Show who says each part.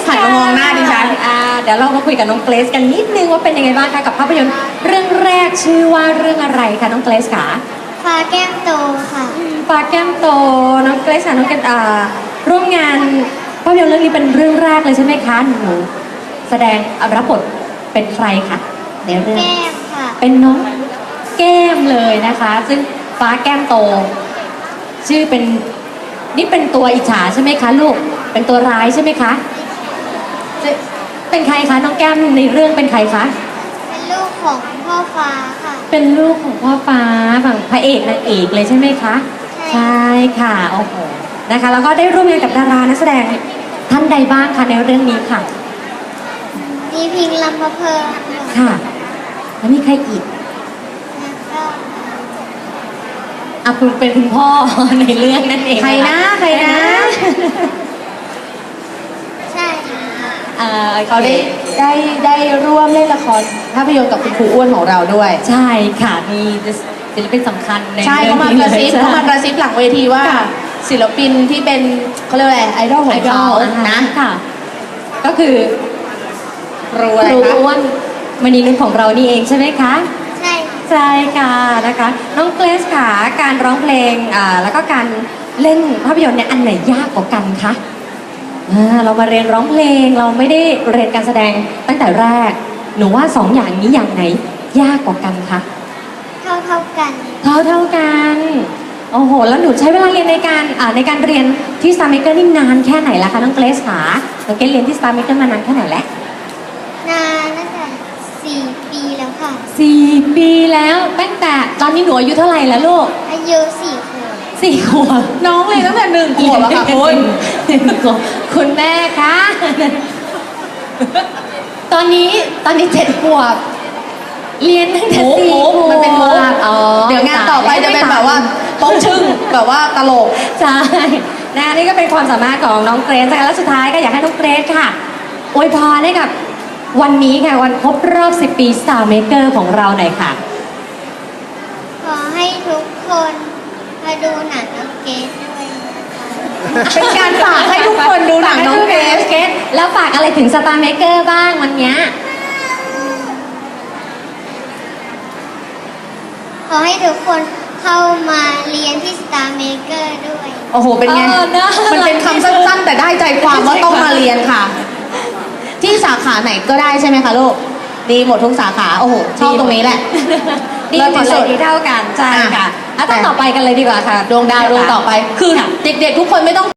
Speaker 1: หันมามองหน้าดิฉัน
Speaker 2: เดี๋ยวเรามาคุยกับน้องเกรซกันนิดนึงว่าเป็นยังไงบ้างคะกับภาพยนตร์เรื่องแรกชื่อว่าเรื่องอะไรคะน้องเกรซคะ
Speaker 3: ฟ้าแก้มโตค่ะ
Speaker 2: ปลาแก้มโตน้องเกรซค่ะน้องเกรซร่วมงานภาพยนตร์เรื่องนี้เป็นเรื่องแรกเลยใช่ไหมคะหนูแสดงรับบทเป็นใครคะในเรื่อง
Speaker 3: แก้มค่ะ
Speaker 2: เป็นน้องแก้มเลยนะคะ ซึ่งฟ้าแก้มโต ชื่อเป็นนี่เป็นตัวอิจฉาใช่ไหมคะลูกเป็นตัวร้ายใช่ไหมคะเป็นใครคะน้องแก้มในเรื่องเป็นใครคะ
Speaker 3: เป็นลูกของพ่อฟ้าค่ะ
Speaker 2: เป็นลูกของพ่อฟ้าฝั่งพระเอกนางเอกเลยใช่ไหมคะ
Speaker 3: ใช่
Speaker 2: ใช่ค่ะโอ้โหนะคะแล้วก็ได้ร่วมงานกับดารานักแสดงท่านใดบ้างคะในเรื่องนี้ค่ะ
Speaker 3: มีพิงลำพะเพลิน
Speaker 2: ค่ะแล้วมีใครอีก
Speaker 3: แล้วก็
Speaker 2: คุณเป็นคุณพ่อ ในเรื่องนั่นเอง
Speaker 1: ใครนะใครนะ
Speaker 3: ใช่ค่ะ
Speaker 1: เขาได้ร่วมเล่นละครภาพยนตร์กับคุณครูอ้วนของเราด้วย
Speaker 2: ใช่ค่ะมีศิลปินสำคัญใน
Speaker 1: ใช่
Speaker 2: เรื่
Speaker 1: เขา
Speaker 2: อง
Speaker 1: มา
Speaker 2: นี้
Speaker 1: กระซิบ
Speaker 2: ลย
Speaker 1: เขามากระซิบหลังเวทีว่า
Speaker 2: ค่ะ
Speaker 1: ศิลปินที่เป็นเขาเรียกว่าอะไรไอดอลของเขา
Speaker 2: นะ
Speaker 1: นะ
Speaker 2: ค่ะ ก็คือ
Speaker 1: ครู
Speaker 2: ค
Speaker 1: อะไร
Speaker 2: รู
Speaker 1: คะ
Speaker 2: อ้วนมณีนุชของเรานี่เองใช่ไหมคะ
Speaker 3: ใช่ค่ะ
Speaker 2: ใช่ค่ะนะคะ น้องเกรซค่ะการร้องเพลงแล้วก็การเล่นภาพยนตร์เนี่ยอันไหนยากกว่ากันคะเรามาเรียนร้องเพลงเราไม่ได้เรียนการแสดงตั้งแต่แรกหนูว่าสองอย่างนี้อย่างไหนยากกว่ากันคะ
Speaker 3: เท่ากัน
Speaker 2: เท่ากันโอ้โหแล้วหนูใช้เวลาเรียนในการเรียนที่ Star Maker นี่นานแค่ไหนละคะน้องเกรซค่ะน้องเกรซเรียนที่ Star Maker มานานแค่ไหนแล้ว
Speaker 3: นานตั้งแต่4 ปีแล้วค่ะ
Speaker 2: 4 ปีแล้วตั้งแต่ตอนนี้หนูอายุเท่าไหร่แล้วลูก
Speaker 3: อายุ4 ขวบ
Speaker 2: 4 ขวบ
Speaker 1: น้องเลยนตั้งแต่1 ขวบอะค่ะคุณ
Speaker 2: 1 ขวบคุณแม่คะตอนนี้7 ขวบเรียนตั้งแต่
Speaker 1: มุก
Speaker 2: 4 ขวบ
Speaker 1: มันเป็นมุก
Speaker 2: อ๋อ
Speaker 1: เดี๋ยวงานต่อไปจะเป็นแบบว่าโป๊กชึ่งแบบว่าตลก
Speaker 2: ใช่นะนี่ก็เป็นความสามารถของน้องเกรซนะคะและสุดท้ายก็อยากให้น้องเกรซค่ะอวยพรให้กับวันนี้ค่ะวันครบรอบ 10 ปี Star Maker ของเราหน่อยค่ะ
Speaker 3: ขอให้ทุกคนมาดูหนังน้องเกดด้วยนะคะ
Speaker 1: เป็นการฝากให้ทุกคนดูหนังน้องเกรซ
Speaker 2: เกรซแล้วฝากอะไรถึง Star Maker บ้างวันเนี้ย
Speaker 3: ขอให้ทุกคนเข้ามาเรียนที่ Star Maker ด้วย
Speaker 1: โอ้โห เป็นไง มันเป็นคำสั้นๆ แต่ได้ใจความว่าต้องมาเรียนค่ะ ที่สาขาไหนก็ได้ใช่ไหมคะลูก ดีหมดทุกสาขา โอ้โห ชอบตรงนี้แหละ
Speaker 2: ดีหมดเลยดีเท่ากันใช่ค่ะต้องต่อไปกันเลยดีกว่าค่ะ
Speaker 1: ดวงดาวดวงต่อไป คือเด็กๆทุกคนไม่ต้อง